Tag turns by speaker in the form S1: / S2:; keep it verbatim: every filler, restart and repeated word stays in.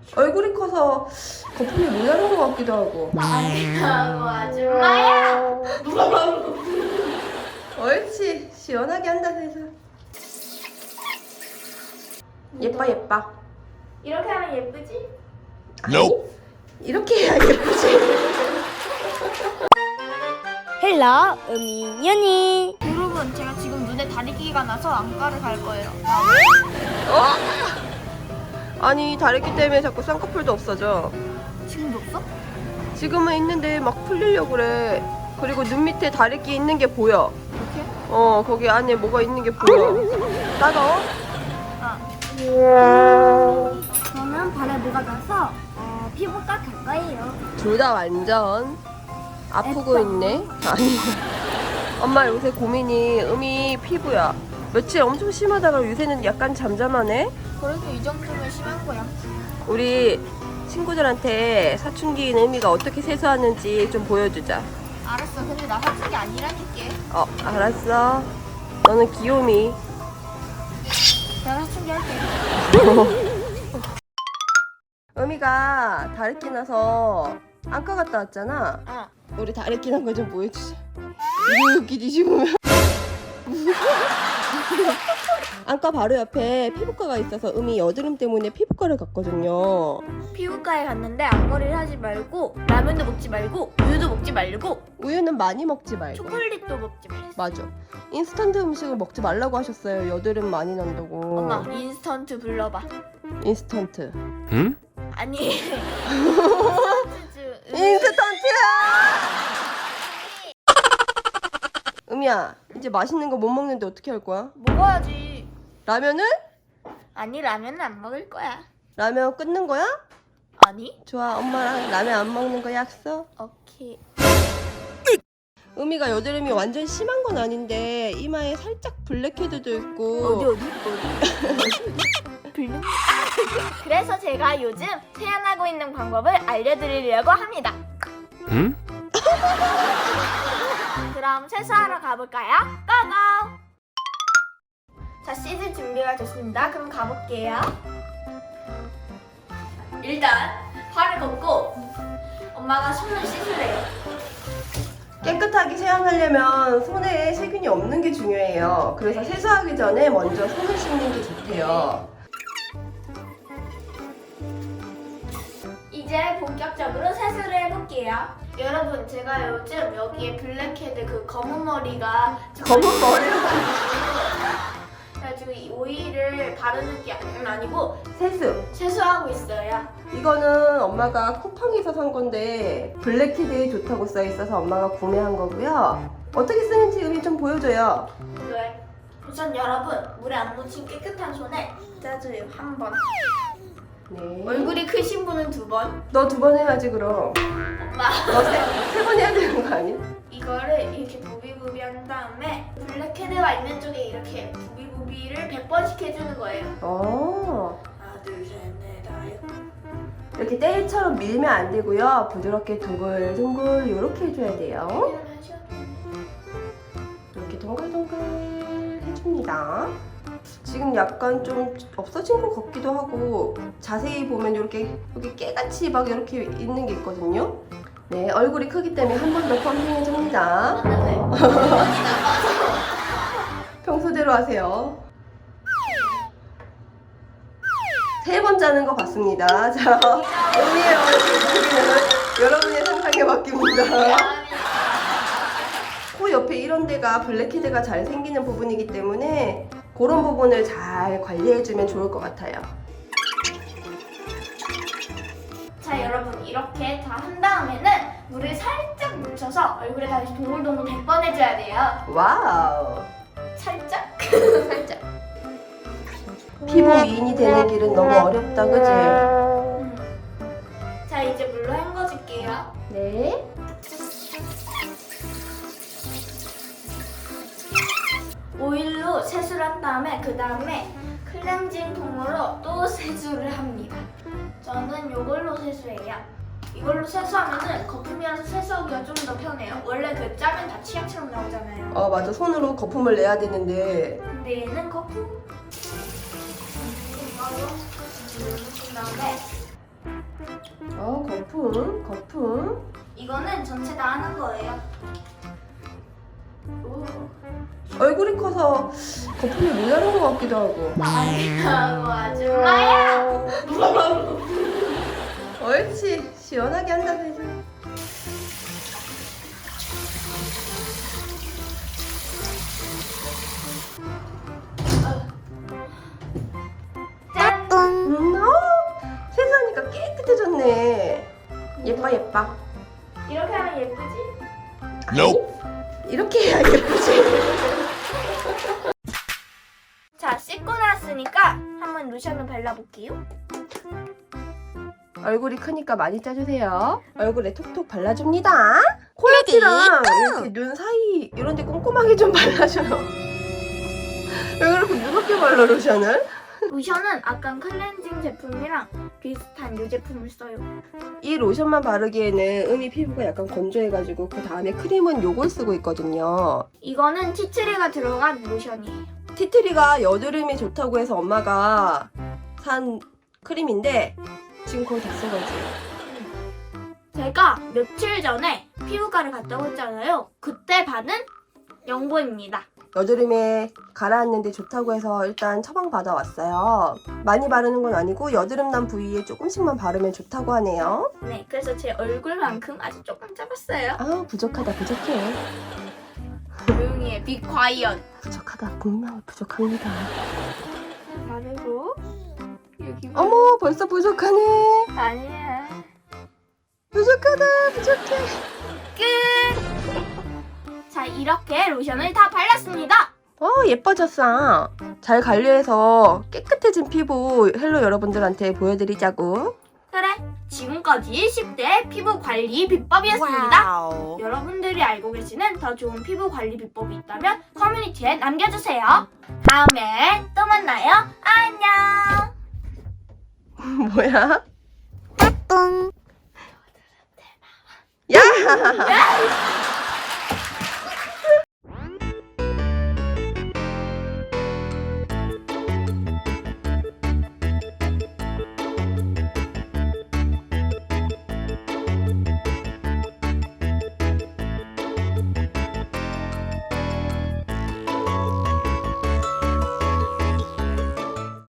S1: 얼굴이 커서 거품이 모자란 것 같기도 하고.
S2: 아니라고 아줌마야.
S1: 옳지. 시원하게 한다 세서. 예뻐 예뻐.
S2: 이렇게 하면 예쁘지?
S1: 아니, 이렇게 해야 예쁘지.
S3: 헬로 음이연이.
S2: 여러분, 제가 지금 눈에 다리끼가 나서 안과를 갈 거예요.
S1: 어? 아니 다리끼 때문에 자꾸 쌍꺼풀도 없어져.
S2: 지금도 없어?
S1: 지금은 있는데 막 풀리려고 그래. 그리고 눈 밑에 다리끼 있는 게 보여.
S2: 이렇게?
S1: 어 거기 안에 뭐가 있는 게 보여. 따가워?
S2: 아.
S3: 저는 발에 뭐가 나서 어, 피부과 갈 거예요.
S1: 둘 다 완전 아프고 있네. 아니 엄마 요새 고민이 음이 피부야. 며칠 엄청 심하다가 요새는 약간 잠잠하네.
S2: 그래도 이 정도면 심한 거야.
S1: 우리 친구들한테 사춘기인 음이가 어떻게 세수하는지 좀 보여주자.
S2: 알았어. 근데 나 사춘기 아니라니까.
S1: 어 알았어. 너는 귀요미.
S2: 내가 사춘기 할게.
S1: 음이가 다리끼 나서 안과 갔다 왔잖아.
S2: 어.
S1: 우리 다리끼 난 거 좀 보여주자. 이렇게 뒤집으면 안과 바로 옆에 피부과가 있어서 음이 여드름 때문에 피부과를 갔거든요.
S2: 피부과에 갔는데 앞머리를 하지 말고 라면도 먹지 말고 우유도 먹지 말고
S1: 우유는 많이 먹지 말고.
S2: 초콜릿도 먹지 말고.
S1: 맞아. 인스턴트 음식을 먹지 말라고 하셨어요. 여드름 많이 난다고.
S2: 엄마 인스턴트 불러봐.
S1: 인스턴트.
S4: 응?
S2: 아니 인스턴트
S1: 인스턴트야! 음이야, 이제 맛있는 거 못 먹는데 어떻게 할 거야?
S2: 먹어야지.
S1: 라면은?
S2: 아니 라면은 안 먹을 거야.
S1: 라면 끊는 거야?
S2: 아니?
S1: 좋아, 엄마랑 라면 안 먹는 거 약속.
S2: 오케이.
S1: 음이가 여드름이 완전 심한 건 아닌데 이마에 살짝 블랙헤드도 있고.
S2: 어디 어디 어디? 빌려? 그래서 제가 요즘 세안하고 있는 방법을 알려드리려고 합니다.
S4: 응?
S2: 그럼 세수하러 가볼까요? 고고! 자, 씻을 준비가 됐습니다. 그럼 가볼게요. 일단 발을 걷고 엄마가 손을 씻으래요.
S1: 깨끗하게 세안하려면 손에 세균이 없는 게 중요해요. 그래서 세수하기 전에 먼저 손을 씻는 게 좋대요.
S2: 이제 본격적으로 세수를 해볼게요. 여러분, 제가 요즘 여기에 블랙헤드 그 검은 머리가
S1: 검은 머리로
S2: 그래가지고 이 오일을 바르는 게 아니고
S1: 세수.
S2: 세수하고 있어요.
S1: 이거는 엄마가 쿠팡에서 산 건데 블랙헤드에 좋다고 써 있어서 엄마가 구매한 거고요. 어떻게 쓰는지 음이 좀 보여줘요.
S2: 네. 우선 여러분, 물에 안 묻힌 깨끗한 손에 짜줘요. 한 번.
S1: 네.
S2: 얼굴이 크신 분은 두 번.
S1: 너 두 번 해야지 그럼.
S2: 엄마.
S1: 너세 번 해야 되는 거 아니야?
S2: 이거를 이렇게 부비부비 한 다음에 블랙헤드가 있는 쪽에 이렇게 부비부비를 백 번씩 해주는 거예요.
S1: 어.
S2: 하나, 둘, 셋, 넷, 다섯.
S1: 이렇게 때일처럼 밀면 안 되고요. 부드럽게 둥글둥글 이렇게 해줘야 돼요. 이렇게 동글동글 해줍니다. 지금 약간 좀 없어진 것 같기도 하고 자세히 보면 이렇게 여기 깨같이 막 이렇게 있는 게 있거든요. 네, 얼굴이 크기 때문에 한 번 더 펌핑해줍니다. 평소대로 하세요. 세 번 짜는 것 같습니다. 자, 음이의 얼굴 크기는 여러분의 상상에 맡깁니다. 코 옆에 이런 데가 블랙헤드가 잘 생기는 부분이기 때문에 그런 부분을 잘 관리해주면 좋을 것 같아요.
S2: 자, 여러분, 이렇게 다 한 다음에는 물을 살짝 묻혀서 얼굴에 다시 동글동글 백 번 해줘야 돼요.
S1: 와우.
S2: 살짝? 살짝.
S1: 피부 미인이 되는 길은 너무 어렵다, 그지?
S2: 음. 자, 이제 물로 헹궈줄게요.
S1: 네.
S2: 오일로 세수를 한 다음에 그 다음에 클렌징 폼으로 또 세수를 합니다. 저는 이걸로 세수해요. 이걸로 세수하면은 거품이라서 세수하기가 좀 더 편해요. 원래 그 짜면 다 치약처럼 나오잖아요.
S1: 어, 맞아. 손으로 거품을 내야 되는데.
S2: 근데 얘는 거품 이걸로 누른 다음에
S1: 어, 거품, 거품.
S2: 이거는 전체 다 하는 거예요. 오.
S1: 얼굴이 커서 거품이 모자란 것 같기도 하고.
S2: 아니라고 아줌마야.
S1: 옳지. 시원하게 한다, 세수.
S2: 짠.
S1: 음, 어, 세수하니까 깨끗해졌네. 예뻐, 예뻐.
S2: 이렇게 하면 예쁘지?
S1: Nope. 이렇게 해야 예쁘지.
S2: 자, 씻고 나왔으니까 한번 로션을 발라볼게요.
S1: 얼굴이 크니까 많이 짜주세요. 얼굴에 톡톡 발라줍니다. 콜라티랑 이렇게 눈 사이 이런 데 꼼꼼하게 좀 발라줘요. 왜 그렇게 무섭게 발라, 로션을?
S2: 로션은 아까 클렌징 제품이랑 비슷한 이 제품을 써요.
S1: 이 로션만 바르기에는 음이 피부가 약간 건조해가지고 그 다음에 크림은 요걸 쓰고 있거든요.
S2: 이거는 티트리가 들어간 로션이에요.
S1: 티트리가 여드름에 좋다고 해서 엄마가 산 크림인데 지금 거의 다 써가지고.
S2: 제가 며칠 전에 피부과를 갔다고 했잖아요. 그때 받은 연고입니다.
S1: 여드름에 가라앉는데 좋다고 해서 일단 처방 받아왔어요. 많이 바르는 건 아니고 여드름 난 부위에 조금씩만 바르면 좋다고 하네요.
S2: 네, 그래서 제 얼굴만큼 아주 조금 짜봤어요.
S1: 아, 부족하다, 부족해.
S2: 조용히 해, be quiet.
S1: 부족하다, 분명히 부족합니다.
S2: 바르고 여기
S1: 어머, 벌써 부족하네.
S2: 아니야.
S1: 부족하다, 부족해.
S2: 끝! 자, 이렇게 로션을 다 발랐습니다.
S1: 어, 예뻐졌어. 잘 관리해서 깨끗해진 피부 헬로 여러분들한테 보여드리자고.
S2: 그래, 지금까지 십 대 피부 관리 비법이었습니다. 여러분들이 알고 계시는 더 좋은 피부 관리 비법이 있다면 커뮤니티에 남겨주세요. 다음에 또 만나요. 안녕.
S1: 뭐야? 야!